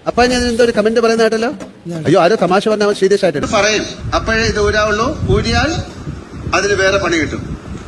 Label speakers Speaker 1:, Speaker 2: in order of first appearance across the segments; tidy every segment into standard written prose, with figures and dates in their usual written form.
Speaker 1: അപ്പൊ ഞാൻ എന്തോ ഒരു കമന്റ് പറയുന്ന കേട്ടല്ലോ. അയ്യോ ആരോ തമാശ പറഞ്ഞാൽ സീരിയസ് ആയിട്ട് പറയും. അപ്പോഴേ ഇത് ഊരാവുള്ളൂ. ഊരിയാൽ അതിന് വേറെ പണി കിട്ടും.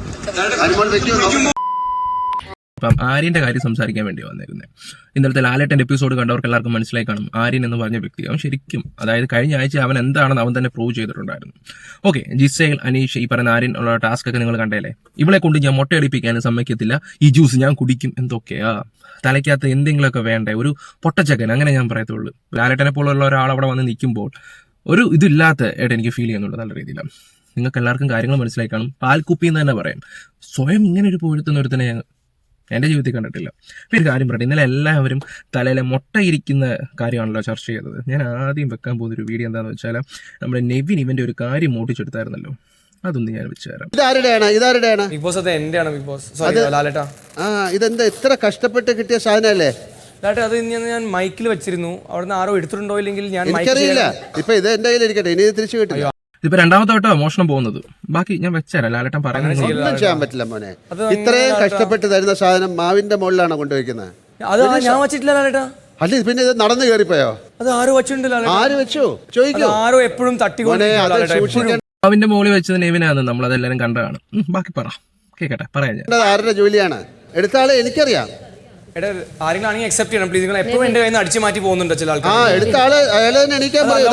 Speaker 2: അപ്പം ആര്യന്റെ കാര്യം സംസാരിക്കാൻ വേണ്ടി വന്നിരുന്നത്. ഇന്നലത്തെ ലാലേട്ടന്റെ എപ്പിസോഡ് കണ്ടവർക്ക് എല്ലാവർക്കും മനസ്സിലായി കാണും. ആര്യൻ എന്ന് പറഞ്ഞ വ്യക്തി അവൻ ശരിക്കും, അതായത് കഴിഞ്ഞ ആഴ്ച അവൻ എന്താണെന്ന് അവൻ തന്നെ പ്രൂവ് ചെയ്തിട്ടുണ്ടായിരുന്നു. ഓക്കെ, ജിസേൽ, അനീഷ്, ഈ പറയുന്ന ആര്യൻ ഉള്ള ടാസ്ക് ഒക്കെ നിങ്ങൾ കണ്ടേലേ. ഇവളെ കൊണ്ട് ഞാൻ മുട്ടയടിപ്പിക്കാനും സമ്മതിക്കത്തില്ല, ഈ ജ്യൂസ് ഞാൻ കുടിക്കും, എന്തൊക്കെയാ തലയ്ക്കകത്ത് എന്തെങ്കിലുമൊക്കെ വേണ്ടേ, ഒരു പൊട്ടച്ചക്കൻ, അങ്ങനെ ഞാൻ പറയത്തുള്ളൂ. ലാലേട്ടനെ പോലുള്ള ഒരാൾ അവിടെ വന്ന് നിൽക്കുമ്പോൾ ഒരു ഇതില്ലാത്ത ആയിട്ട് എനിക്ക് ഫീൽ ചെയ്യുന്നുണ്ട് നല്ല രീതിയിലാണ്. നിങ്ങൾക്ക് എല്ലാവർക്കും കാര്യങ്ങൾ മനസ്സിലായി കാണും. പാൽക്കുപ്പി എന്ന് തന്നെ പറയാം. സ്വയം ഇങ്ങനെ ഒരു പൊഴുത്തുന്ന ഒരുത്തനെ എൻ്റെ ജീവിതത്തിൽ കണ്ടിട്ടില്ല. അപ്പോൾ ഒരു കാര്യം പറയട്ടെ, ഇന്നലെ എല്ലാവരും തലയിലെ മുട്ടയിരിക്കുന്ന കാര്യമാണല്ലോ ചർച്ച ചെയ്തത്. ഞാൻ ആദ്യം വെക്കാൻ പോകുന്നൊരു വീഡിയോ എന്താണെന്ന് വെച്ചാൽ നമ്മുടെ നെവിൻ ഇവൻ്റെ ഒരു കാര്യം മോട്ടിച്ചെടുത്തായിരുന്നല്ലോ, അതൊന്ന് ഞാൻ വെച്ചുതരാം.
Speaker 1: ഇതാരുടെയാണ്?
Speaker 3: ബിഗ് ബോസ് അതെ എന്റെയാണ് ബിഗ് ബോസ്. സോറി ലാലേട്ടാ.
Speaker 1: ഇതെന്താ ഇത്ര കഷ്ടപ്പെട്ട് കിട്ടിയ സാധനല്ലേ
Speaker 3: ലാലേട്ടാ? അത് ഞാൻ മൈക്കിൽ വെച്ചിരുന്നു, അവിടുന്ന് ആരോ എടുത്തിട്ടുണ്ടോ ഇല്ലെങ്കിൽ ഞാൻ
Speaker 1: എനിക്കറിയില്ല. ഇപ്പൊ ഇത് എന്റെ കയ്യിൽ ഇരിക്കട്ടെ, ഇനി തിരിച്ചു കിട്ടില്ല.
Speaker 2: ഇതിപ്പോ രണ്ടാമത്തെ വട്ടം മോഷണം പോകുന്നത്. ബാക്കി ഞാൻ വെച്ചേരാം. ലാലേട്ടൻ പറയുന്നത്
Speaker 1: ഒന്നും ചെയ്യാൻ പറ്റില്ല മോനെ. ഇത്രയും കഷ്ടപ്പെട്ട് തരുന്ന സാധനം മാവിന്റെ മുകളിലാണോ കൊണ്ടുവയ്ക്കുന്നത്?
Speaker 3: അത് ഞാൻ വെച്ചിട്ടില്ല ലാലേട്ടാ.
Speaker 1: അല്ല പിന്നെ ഇത് നടന്നു കയറിപ്പോയോ?
Speaker 3: അത് ആരോ വെച്ചിട്ടുണ്ട്.
Speaker 1: ആര് വെച്ചു ചോദിക്കോ?
Speaker 3: ആരോ എപ്പോഴും തട്ടിക്കൊണ്ട്
Speaker 2: അവന്റെ മോളിൽ വെച്ചത് നെവിനാണ്, നമ്മളതെല്ലാരും കണ്ടതാണ്. ബാക്കി പറ, കേക്കട്ടെ, പറയാം ഞാൻ.
Speaker 1: ആരുടെ ജോലിയാണ് എടുത്താളെ എനിക്കറിയാം.
Speaker 3: ആരെങ്കിലും അക്സെപ്റ്റ് ചെയ്യണം പ്ലീസ്. നിങ്ങൾ എപ്പോഴും എന്റെ കയ്യിൽ നിന്ന് അടിച്ചു മാറ്റി പോകുന്നുണ്ട് ചില ആൾക്കാർ.
Speaker 1: എടുത്ത ആള് അയാളെ തന്നെ എണീക്കാൻ പറ.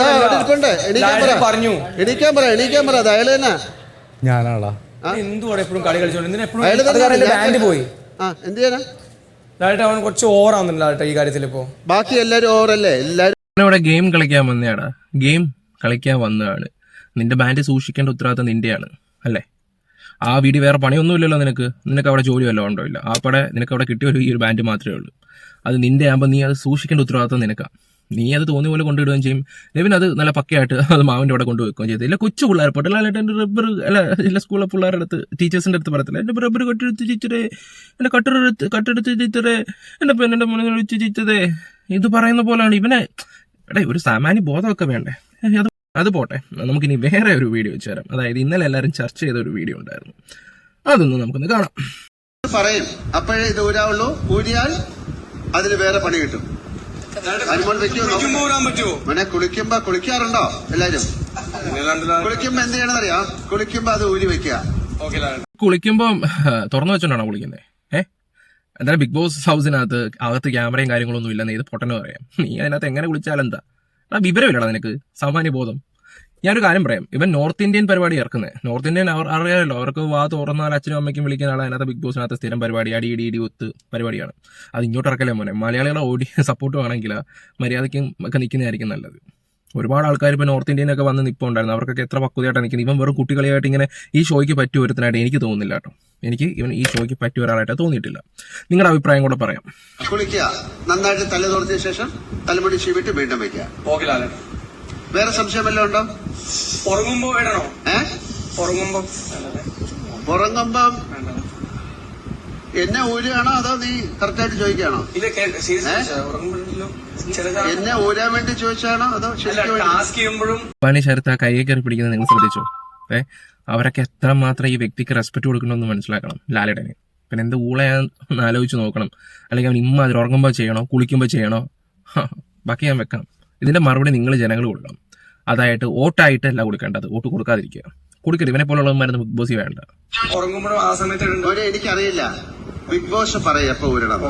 Speaker 3: പറഞ്ഞു
Speaker 1: എണീക്കാൻ പറ. അത് അയാളെ തന്നെ.
Speaker 3: ഞാനാളാ എന്തുവാണ് എപ്പോഴും കളി കളിച്ചോണ്ട് എപ്പോഴും ബാൻഡ് പോയി.
Speaker 1: എന്ത് ചെയ്യാനാ
Speaker 3: ലാലേട്ടാ? അവൻ കുറച്ച് ഓവർ ആവുന്നുണ്ട് ലാലേട്ടാ ഈ കാര്യത്തിൽ. ഇപ്പോ
Speaker 1: ബാക്കി എല്ലാരും ഓവറല്ലേ? എല്ലാരും
Speaker 2: ഇവിടെ ഗെയിം കളിക്കാൻ വന്നയാടാ, ഗെയിം കളിക്കാൻ വന്നതാണ്. നിന്റെ ബാൻഡ് സൂക്ഷിക്കേണ്ട ഉത്തരവാദിത്തം നിന്റെയാണ് അല്ലേ? ആ വീഡിയോ വേറെ പണിയൊന്നുമില്ലല്ലോ നിനക്ക് അവിടെ ജോലി വല്ലതും ഉണ്ടോ? ഇല്ല. ആ പടെ നിനക്ക് അവിടെ കിട്ടിയ ഈ ഒരു ബാൻഡ് മാത്രമേ ഉള്ളൂ. അത് നിന്റെ ആകുമ്പോൾ നീ അത് സൂക്ഷിക്കേണ്ട ഉത്തരവാദിത്തം നിനക്കാണ്. നീ അത് തോന്നിയ പോലെ കൊണ്ടുവിടുകയും ചെയ്യും. നെവിൻ അത് നല്ല പക്കയായിട്ട് അത് മാവിൻ്റെ അവിടെ കൊണ്ടുവെക്കുകയും ചെയ്തു. ഇല്ല കൊച്ചു പിള്ളേർ പൊട്ടലായിട്ട് എൻ്റെ റബ്ബർ അല്ല ഇല്ല സ്കൂളിലെ പിള്ളേരുടെ അടുത്ത് ടീച്ചേഴ്സിൻ്റെ അടുത്ത് പറയത്തില്ല, എൻ്റെ റബ്ബർ കട്ടെടുത്ത് ചീച്ചതേ, എൻ്റെ കട്ടെടുത്ത് ചീച്ചതേ, എൻ്റെ പെണ്ണിൻ്റെ മുന്നിൽ വെച്ച് ചീച്ചതേ, ഇത് പറയുന്ന പോലെയാണ് ഇവനെ. എടേ ഒരു സാമാന്യ ബോധമൊക്കെ വേണ്ടേ? അത് പോട്ടെ, നമുക്കിനി വേറെ ഒരു വീഡിയോ വെച്ച് തരാം. അതായത് ഇന്നലെ എല്ലാവരും ചർച്ച ചെയ്ത ഒരു വീഡിയോ ഉണ്ടായിരുന്നു, അതൊന്ന് നമുക്കൊന്ന് കാണാം.
Speaker 1: പറയും. അപ്പോഴേ ഇത് ഊരാവുള്ളൂ. ഊരിയാൽ അതിന് വേറെ പണി കിട്ടും. മോനെ കുളിക്കാറുണ്ടോ എല്ലാരും? കുളിക്കുമ്പോ എന്ത് ചെയ്യണമെന്നറിയാം? കുളിക്കുമ്പോ അത് ഊരി വെക്കുക.
Speaker 2: കുളിക്കുമ്പോ തുറന്നു വെച്ചോണ്ടാണോ കുളിക്കുന്നത്? എന്തായാലും ബിഗ് ബോസ് അകത്ത് ക്യാമറയും കാര്യങ്ങളൊന്നും ഇല്ലെന്ന് ഇത് പൊട്ടന് പറയാം. നീ അതിനകത്ത് എങ്ങനെ കുളിച്ചാലെന്താ? വിവരമില്ലടാ നിനക്ക്, സാമാന്യ ബോധം. ഞാനൊരു കാര്യം പറയാം, ഇവൻ നോർത്ത് ഇന്ത്യൻ പരിപാടി ഇറക്കുന്നത്. നോർത്ത് ഇന്ത്യൻ അറിയാമല്ലോ, അവർക്ക് വാ തുറന്നാൽ അച്ഛനും അമ്മയ്ക്കും വിളിക്കുന്ന ആളെ അതിനകത്ത് ബിഗ് ബോസിനകത്ത് സ്ഥിരം പരിപാടി ഇടി ഒത്ത് പരിപാടിയാണ്. അത് ഇങ്ങോട്ട് ഇറക്കല്ലേ മോനെ. മലയാളികളെ സപ്പോർട്ട് വേണമെങ്കിൽ മര്യാദയ്ക്കും ഒക്കെ നിൽക്കുന്നതായിരിക്കും നല്ലത്. ഒരുപാട് ആൾക്കാർ ഇപ്പോൾ നോർത്ത് ഇന്ത്യനൊക്കെ വന്ന് നിൽപ്പുണ്ടായിരുന്നു, അവർക്കൊക്കെ എത്ര പക്വതയായിട്ടാണ് നിൽക്കുന്നത്. ഇവൻ വെറും കുട്ടികളിയായിട്ട് ഇങ്ങനെ ഈ ഷോയ്ക്ക് പറ്റിയ ഒരുത്തനായിട്ട് എനിക്ക് തോന്നുന്നില്ല കേട്ടോ. എനിക്ക് ഇവൻ ഈ ഷോയ്ക്ക് പറ്റിയ ഒരാളായിട്ട് തോന്നിയിട്ടില്ല. നിങ്ങളുടെ അഭിപ്രായം കൂടെ പറയാം.
Speaker 1: കുളിക്കുക, നന്നായിട്ട് തല തുറച്ച ശേഷം തലമുടി ചീവിട്ട് വീണ്ടും വെക്കുക. വേറെ സംശയം വല്ലതും ഉണ്ടോ? ഉറങ്ങുമ്പോ എന്നെ ഊരുകയാണോ അതോ നീ കറക്റ്റായിട്ട് ചോദിക്കുകയാണോ? എന്നെ ഊരാൻ വേണ്ടി ചോദിച്ചാണോ അതോ
Speaker 2: പണി ശരത്ത് ആ കൈയെ കയറി പിടിക്കുന്നത് നിങ്ങൾ ശ്രദ്ധിച്ചോ? അവരൊക്കെ എത്രമാത്രം ഈ വ്യക്തിക്ക് റെസ്പെക്ട് കൊടുക്കണമെന്ന് മനസ്സിലാക്കണം ലാലേട്ടന്. പിന്നെ എന്ത് ഊളയാന്ന് ആലോചിച്ച് നോക്കണം. അല്ലെങ്കിൽ അവൻ അതിൽ ഉറങ്ങുമ്പോൾ ചെയ്യണോ കുളിക്കുമ്പോൾ ചെയ്യണോ? ബാക്കി ഞാൻ വെക്കാം. ഇതിന്റെ മറുപടി നിങ്ങൾ ജനങ്ങൾ കൊടുക്കണം. അതായത് വോട്ടായിട്ടല്ല കൊടുക്കേണ്ടത്, വോട്ട് കൊടുക്കാതിരിക്കുക. കൊടുക്കരുത്. ഇവനെ പോലുള്ളവന്മാരൊന്നും ബിഗ് ബോസ് വേണ്ട.
Speaker 1: എനിക്കറിയില്ല, ബിഗ് ബോസ് പറയും എപ്പോ ഊരണം.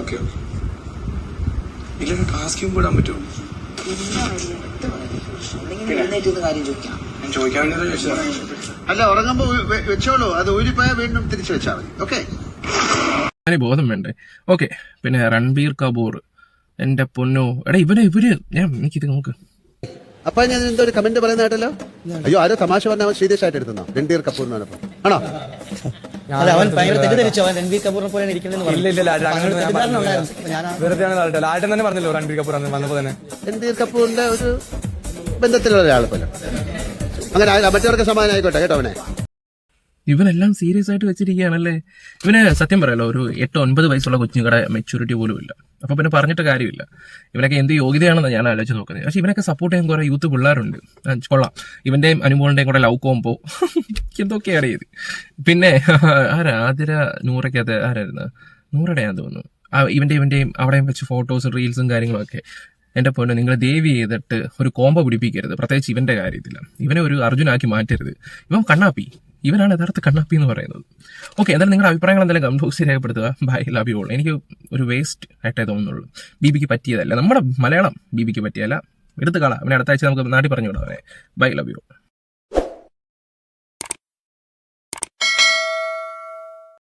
Speaker 1: അല്ല ഉറങ്ങുമ്പോ വെച്ചോളൂ, അത് ഊരിപ്പോയാൽ വീണ്ടും തിരിച്ചു വെച്ചാൽ മതി. ഓക്കെ,
Speaker 2: ബോധം വേണ്ടേ? ഓക്കെ. പിന്നെ രൺബീർ കപൂർ, എന്റെ പൊന്നോ, എടാ ഇവര് എനിക്കിത് നോക്ക്.
Speaker 1: അപ്പൊ ഞാൻ എന്തോ ഒരു കമന്റ് പറയുന്ന കേട്ടല്ലോ. അയ്യോ ആരോ തമാശ പറഞ്ഞാൽ സീരിയസ് ആയിട്ട് എടുത്തോ? രൺബീർ കപൂർ ആണോ?
Speaker 3: അവൻ ഭയങ്കര തെറ്റിദ്ധരിച്ചു. അവൻ രൺബീർ കപൂറിനെ പോലെ ലാലേട്ടൻ തന്നെ പറഞ്ഞല്ലോ രൺബീർ കപൂർ വന്നപ്പോ തന്നെ.
Speaker 1: രൺബീർ കപൂറിന്റെ ഒരു ബന്ധത്തിലുള്ള ഒരാൾ പോലെ അങ്ങനെ മറ്റവർക്ക് സമാധാനം ആയിക്കോട്ടെ കേട്ടോ. അവനെ
Speaker 2: ഇവനെല്ലാം സീരിയസ് ആയിട്ട് വെച്ചിരിക്കുകയാണല്ലേ. ഇവന് സത്യം പറയാലോ ഒരു 8-9 വയസ്സുള്ള കൊച്ചുങ്ങളുടെ മെച്യൂരിറ്റി പോലും ഇല്ല. അപ്പൊ പിന്നെ പറഞ്ഞിട്ട് കാര്യമില്ല. ഇവനൊക്കെ എന്ത് യോഗ്യതയാണെന്ന് ഞാൻ ആലോചിച്ച് നോക്കുന്നത്. പക്ഷെ ഇവനൊക്കെ സപ്പോർട്ട് ചെയ്യാൻ കുറെ യൂത്ത് പിള്ളേരുണ്ട്, കൊള്ളാം. ഇവന്റെയും അനുമോളിന്റെയും കൂടെ ലവ് കോമ്പോ എന്തൊക്കെയാണ് ഇത്. പിന്നെ ആതിര നൂറയ്ക്കകത്ത് ആരായിരുന്നു? നൂറയുടെയാന്ന് തോന്നുന്നു. ഇവന്റെയും അവിടെയും വെച്ച് ഫോട്ടോസും റീൽസും കാര്യങ്ങളൊക്കെ. എൻ്റെ പൊന്നു, നിങ്ങൾ ദേവി ചെയ്തിട്ട് ഒരു കോംബോ പിടിപ്പിക്കരുത്, പ്രത്യേകിച്ച് ഇവന്റെ കാര്യത്തിൽ. ഇവനെ ഒരു അർജുനാക്കി മാറ്റരുത്. ഇവൻ കണ്ണാപ്പി, ഇവനാണ് യഥാർത്ഥ കണ്ണാപ്പി എന്ന് പറയുന്നത്. ഓക്കെ, എന്തായാലും നിങ്ങളുടെ അഭിപ്രായങ്ങൾ എന്തെങ്കിലും കമന്റ് ബോക്സിൽ രേഖപ്പെടുത്തുക. Bye, love you all. എനിക്ക് ഒരു വേസ്റ്റ് ആയിട്ടേ തോന്നുന്നുള്ളൂ. ബിബിക്ക് പറ്റിയതല്ല, നമ്മുടെ മലയാളം ബിബിക്ക് പറ്റിയല്ല. എടുത്ത് കളാം. അവനെ അടുത്ത ആഴ്ച നമുക്ക് നാട്ടിൽ പറഞ്ഞു വിടാം അവനെ. Bye, love you all.